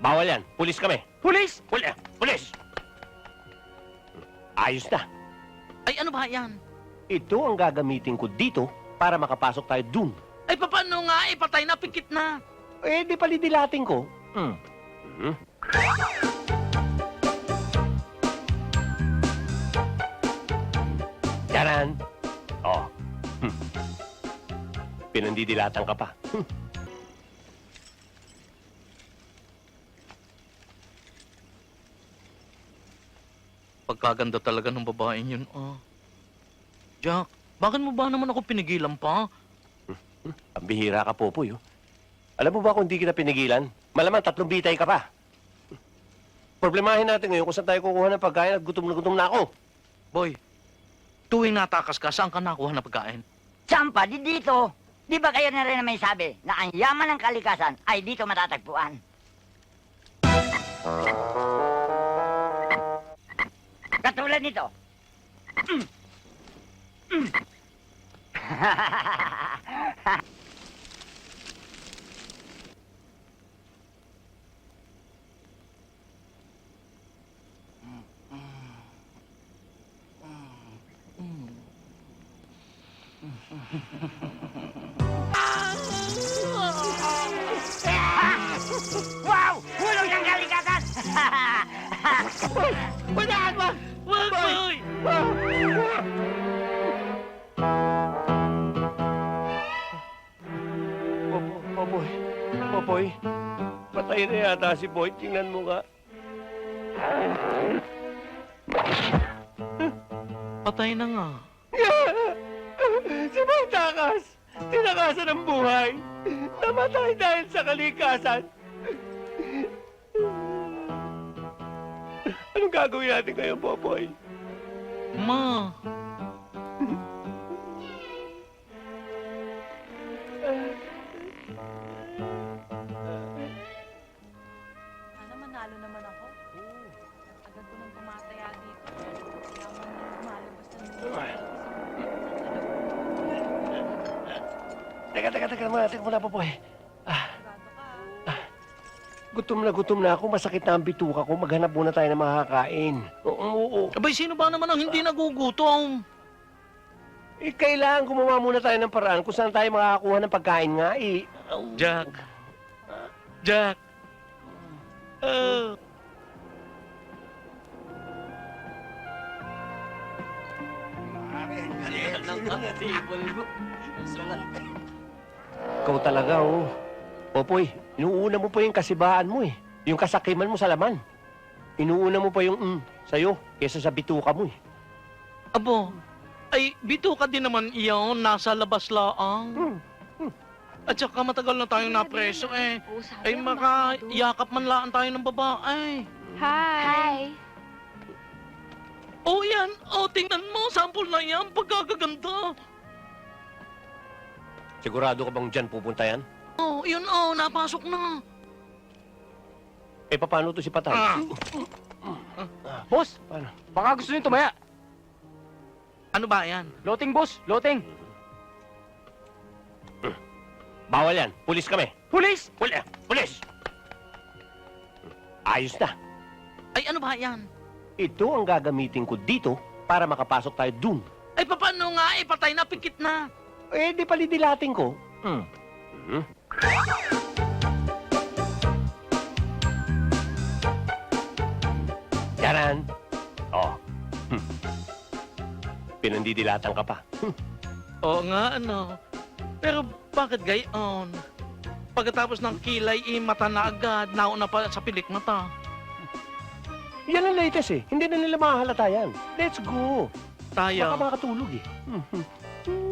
Bawal yan. Pulis kami. Pulis! Pulis! Ayos na. Ay, ano ba yan? Ito ang gagamitin ko dito para makapasok tayo dun. Ay, paano nga? Eh, patay na, pikit na. Eh, di palidilatin ko. Taran! Oh. Pinandidilatan ka pa. Pagkaganda talaga ng babaeng yun, ah. Jack, bakit mo ba naman ako pinigilan pa? Ang bihira ka, Popoy. Oh. Alam mo ba kung di kita pinigilan? Malamang 3 bitay ka pa. Problemahin natin ngayon kung saan tayo kukuha ng pagkain at gutom na ako. Boy, tuwing natakas ka, saan ka nakuha na pagkain? Champa, di dito. Di ba kayo na rin na may sabi na ang yaman ng kalikasan ay dito matatagpuan? Katulad nito. Wow! Hulog ng kalikasan! Panahan mo! Wag, boy! Popoy. Popoy. Patay na yata si Boy. Tingnan mo nga. Patay na nga. Si Boy Takas. Tinakasan ng buhay. Namatay dahil sa kalikasan. Anong gagawin natin ngayon, Popoy? Ma, Sana manalo naman ako. Agad ko nang tumataya dito. Kaya man nang lumalabas ng Teka muna, Popoy. sigurado ka. Gutom na ako. Masakit na ang bituka ko. Maghanap muna tayo ng makakain. Oo. abay, sino ba naman ang hindi nagugutom? Eh, kailangan gumawa muna tayo ng paraan kung saan tayo makakakuha ng pagkain nga, eh. Jack. Jack. Ikaw talaga, oh. Popoy, inuuna mo pa yung kasibaan mo, eh. Yung kasakiman mo sa laman. Inuuna mo pa yung sa'yo kesa sa bituka mo, eh. Abo, ay, bito ka din naman iyon, nasa labas laang. At saka matagal na tayong napreso eh. Ay, makayakap man laan tayo ng babae. Hi! Oh, yan. Oh, tingnan mo. Sample na yan. Pagkagaganda. Sigurado ka bang dyan pupunta yan? Oh, yun oh. Napasok na. Eh, paano to si Patay? Boss, Paano? baka gusto niyo tumaya. Ano ba yan? Loting, boss. Loting. Bawal yan. Pulis kami. Pulis! Pulis! Ayos na. Ay, ano ba yan? Ito ang gagamitin ko dito para makapasok tayo dun. Ay, paano nga? Eh, patay na, pikit na. Eh, di palidilatin ko. Taran! Oh. Pinandidilatan ka pa. Oo nga, ano. Pero bakit gayon? Pagkatapos ng kilay, mata na agad. Nauna pa sa pilik mata. Yan ang latest eh. Hindi na nila makahalata yan. Let's go. Baka Tayo. makatulog eh.